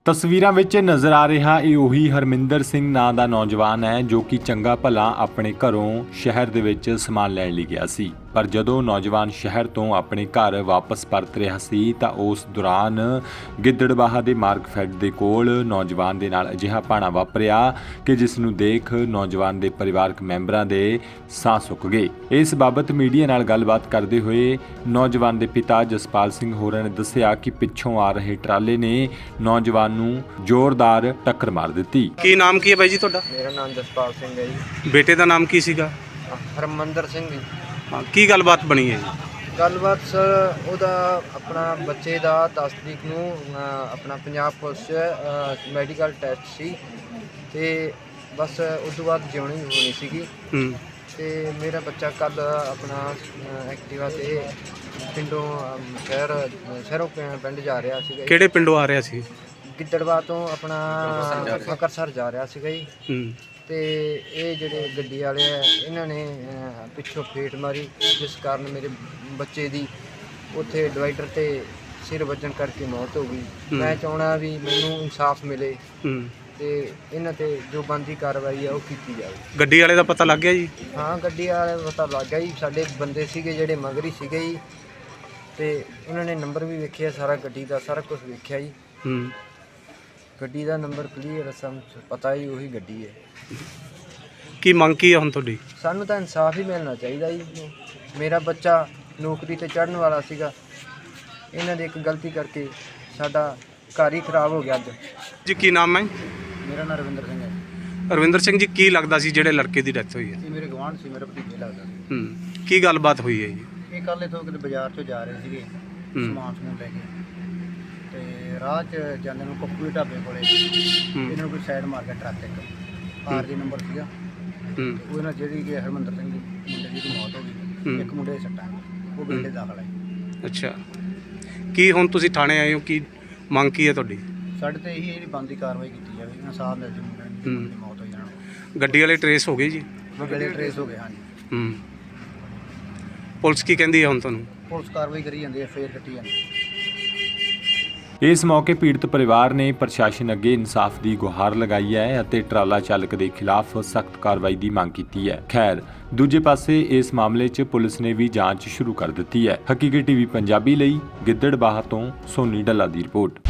ਤਸਵੀਰਾਂ ਵਿੱਚ ਨਜ਼ਰ ਆ ਰਿਹਾ ਇਹ ਉਹੀ ਹਰਮਿੰਦਰ ਸਿੰਘ ਨਾਂ ਦਾ ਨੌਜਵਾਨ ਹੈ ਜੋ ਕਿ ਚੰਗਾ ਭਲਾ ਆਪਣੇ ਘਰੋਂ ਸ਼ਹਿਰ ਦੇ ਵਿੱਚ ਸਮਾਨ ਲੈਣ ਲਈ ਗਿਆ ਸੀ। ਪਰ ਜਦੋਂ ਨੌਜਵਾਨ ਸ਼ਹਿਰ ਤੋਂ ਆਪਣੇ ਘਰ ਵਾਪਸ ਪਰਤ ਰਿਹਾ ਸੀ ਤਾਂ ਉਸ ਦੌਰਾਨ ਗਿੱਦੜਬਾਹਾ ਦੇ ਮਾਰਕਫੈੱਡ ਦੇ ਕੋਲ ਨੌਜਵਾਨ ਦੇ ਨਾਲ ਅਜਿਹਾ ਭਾਣਾ ਵਾਪਰਿਆ ਕਿ ਜਿਸ ਨੂੰ ਦੇਖ ਨੌਜਵਾਨ ਦੇ ਪਰਿਵਾਰਕ ਮੈਂਬਰਾਂ ਦੇ ਸਾਹ ਸੁੱਕ ਗਏ। ਇਸ ਬਾਬਤ ਮੀਡੀਆ ਨਾਲ ਗੱਲਬਾਤ ਕਰਦੇ ਹੋਏ ਨੌਜਵਾਨ ਦੇ ਪਿਤਾ ਜਸਪਾਲ ਸਿੰਘ ਹੋਰਾਂ ਨੇ ਦੱਸਿਆ ਕਿ ਪਿੱਛੋਂ ਆ ਰਹੇ ਟਰਾਲੇ ਨੇ ਨੌਜਵਾਨ ਨੂੰ ਜ਼ੋਰਦਾਰ ਟੱਕਰ ਮਾਰ ਦਿੱਤੀ। ਕੀ ਨਾਮ ਕੀ ਹੈ ਬਾਈ ਜੀ ਤੁਹਾਡਾ? ਮੇਰਾ ਨਾਮ ਜਸਪਾਲ ਸਿੰਘ ਹੈ ਜੀ। ਬੇਟੇ ਦਾ ਨਾਮ ਕੀ ਸੀਗਾ? ਹਰਮੰਦਰ ਸਿੰਘ ਜੀ। ਹਾਂ, ਕੀ ਗੱਲਬਾਤ ਬਣੀ ਹੈ ਜੀ? ਗੱਲਬਾਤ ਸਰ ਉਹਦਾ ਆਪਣਾ ਬੱਚੇ ਦਾ 10 ਤਰੀਕ ਨੂੰ ਆਪਣਾ ਪੰਜਾਬ ਪੁਲਿਸ 'ਚ ਮੈਡੀਕਲ ਟੈਸਟ ਸੀ ਤੇ ਬਸ ਉਸ ਤੋਂ ਬਾਅਦ ਜਿਉਣੀ ਹੋਣੀ ਸੀਗੀ ਤੇ ਮੇਰਾ ਬੱਚਾ ਕੱਲ ਆਪਣਾ ਐਕਟਿਵਾ ਤੇ ਪਿੰਡੋਂ ਸ਼ਹਿਰੋਂ ਪਿੰਡ ਜਾ ਰਿਹਾ ਸੀਗਾ। ਕਿਹੜੇ ਪਿੰਡੋਂ ਆ ਰਿਹਾ ਸੀ? ਗਿੱਦੜਵਾ ਤੋਂ ਆਪਣਾ ਫਕਰਸਰ ਜਾ ਰਿਹਾ ਸੀਗਾ ਜੀ। ਤੇ ਇਹ ਜਿਹੜੇ ਗੱਡੀ ਵਾਲੇ ਆ ਇਹਨਾਂ ਨੇ ਪਿੱਛੋਂ ਫੇਟ ਮਾਰੀ ਜਿਸ ਕਾਰਨ ਮੇਰੇ ਬੱਚੇ ਦੀ ਉੱਥੇ ਡਿਵਾਈਡਰ ਤੇ ਸਿਰ ਵੱਜਣ ਕਰਕੇ ਮੌਤ ਹੋ ਗਈ। ਮੈਂ ਚਾਹੁੰਦਾ ਵੀ ਮੈਨੂੰ ਇਨਸਾਫ ਮਿਲੇ ਤੇ ਇਹਨਾਂ ਤੇ ਜੋ ਬਣਦੀ ਕਾਰਵਾਈ ਆ ਉਹ ਕੀਤੀ ਜਾਵੇ। ਗੱਡੀ ਵਾਲੇ ਦਾ ਪਤਾ ਲੱਗ ਗਿਆ ਜੀ? ਹਾਂ, ਗੱਡੀ ਵਾਲੇ ਦਾ ਪਤਾ ਲੱਗ ਗਿਆ ਜੀ। ਸਾਡੇ ਬੰਦੇ ਸੀਗੇ ਜਿਹੜੇ ਮਗਰੀ ਸੀਗੇ ਜੀ ਤੇ ਉਹਨਾਂ ਨੇ ਨੰਬਰ ਵੀ ਵੇਖਿਆ, ਸਾਰਾ ਗੱਡੀ ਦਾ ਸਾਰਾ ਕੁਝ ਵੇਖਿਆ ਜੀ। ਗੱਡੀ ਦਾ ਨੰਬਰ ਕਲੀਅਰ ਸਾਨੂੰ ਪਤਾ ਹੀ ਉਹੀ ਗੱਡੀ ਹੈ। ਕੀ ਮੰਗ ਕੀ ਹੈ ਹੁਣ ਤੁਹਾਡੀ? ਸਾਨੂੰ ਤਾਂ ਇਨਸਾਫ ਹੀ ਮਿਲਣਾ ਚਾਹੀਦਾ ਜੀ। ਮੇਰਾ ਬੱਚਾ ਨੌਕਰੀ ਤੇ ਚੜ੍ਹਨ ਵਾਲਾ ਸੀਗਾ, ਇਹਨਾਂ ਦੇ ਇੱਕ ਗਲਤੀ ਕਰਕੇ ਸਾਡਾ ਘਰ ਹੀ ਖਰਾਬ ਹੋ ਗਿਆ ਅੱਜ। ਜੀ ਕੀ ਨਾਮ ਹੈ? ਮੇਰਾ ਨਾਮ ਰਵਿੰਦਰ ਸਿੰਘ ਹੈ। ਰਵਿੰਦਰ ਸਿੰਘ ਜੀ, ਕੀ ਲੱਗਦਾ ਸੀ ਜਿਹੜੇ ਲੜਕੇ ਦੀ ਡੈਥ ਹੋਈ ਹੈ? ਇਹ ਮੇਰੇ ਗਵਾਂਢ ਸੀ, ਮੇਰਾ ਭਤੀਜਾ ਲੱਗਦਾ ਸੀ। ਕੀ ਗੱਲਬਾਤ ਹੋਈ ਹੈ ਜੀ? ਇਹ ਕੱਲ੍ਹ ਇੱਥੋਂ ਕਿਤੇ ਬਾਜ਼ਾਰ 'ਚੋਂ ਜਾ ਰਹੇ ਸੀਗੇ ਸਮਾਨ ਸਮੂਨ ਲੈ ਕੇ ਤੇ ਰਾਹ 'ਚ ਜਾਂਦੇ ਨੂੰ ਕੱਪੂ ਢਾਬੇ ਕੋਲੇ ਇਹਨਾਂ ਨੂੰ ਕੋਈ ਸਾਈਡ ਮਾਰ ਕੇ ਟਰੱਕ ਇੱਕ ਆਰ ਜੀ ਨੰਬਰ ਸੀਗਾ ਉਹਦੇ ਨਾਲ ਜਿਹੜੀ ਕਿ ਹਰਮੰਦਰ ਸਿੰਘ ਦੀ ਮੁੰਡੇ ਦੀ ਮੌਤ ਹੋ ਗਈ। ਇੱਕ ਮੁੰਡੇ ਦੇ ਸੱਟਾਂ ਉਹ ਬਿਲਡੇ ਦਾਖਲ ਹੈ। ਅੱਛਾ, ਕੀ ਹੁਣ ਤੁਸੀਂ ਥਾਣੇ ਆਏ ਹੋ, ਕੀ ਮੰਗ ਕੀ ਹੈ ਤੁਹਾਡੀ? ਸਾਡੇ ਤੇ ਇਹੀ ਜਿਹੜੀ ਬਣਦੀ ਕਾਰਵਾਈ ਕੀਤੀ ਜਾਵੇ, ਇਨਸਾਫ ਮਿਲ ਜਾਵੇ ਮੁੰਡੇ ਦੀ ਮੌਤ ਹੋਈ ਜਾਣ ਨੂੰ। ਗੱਡੀ ਵਾਲੇ ਟਰੇਸ ਹੋ ਗਏ ਜੀ? ਗੱਡੀ ਟਰੇਸ ਹੋ ਗਏ, ਹਾਂਜੀ। ਪੁਲਿਸ ਕੀ ਕਹਿੰਦੀ ਹੈ ਹੁਣ ਤੁਹਾਨੂੰ? ਪੁਲਿਸ ਕਾਰਵਾਈ ਕਰੀ ਜਾਂਦੀ ਹੈ, ਫੇਰ ਕੱਟੀ ਜਾਂਦੀ ਹੈ। ਇਸ ਮੌਕੇ ਪੀੜਤ ਪਰਿਵਾਰ ਨੇ ਪ੍ਰਸ਼ਾਸਨ ਅੱਗੇ ਇਨਸਾਫ ਦੀ ਗੁਹਾਰ ਲਗਾਈ ਹੈ ਅਤੇ ਟਰਾਲਾ ਚਾਲਕ ਦੇ ਖਿਲਾਫ ਸਖਤ ਕਾਰਵਾਈ ਦੀ ਮੰਗ ਕੀਤੀ ਹੈ। ਖੈਰ, ਦੂਜੇ ਪਾਸੇ ਇਸ ਮਾਮਲੇ 'ਚ ਪੁਲਿਸ ਨੇ ਵੀ ਜਾਂਚ ਸ਼ੁਰੂ ਕਰ ਦਿੱਤੀ ਹੈ। ਹਕੀਕਤ ਟੀਵੀ ਪੰਜਾਬੀ ਲਈ ਗਿੱਦੜਬਾਹਾ ਤੋਂ ਸੋਨੀ ਡੱਲਾ ਦੀ ਰਿਪੋਰਟ।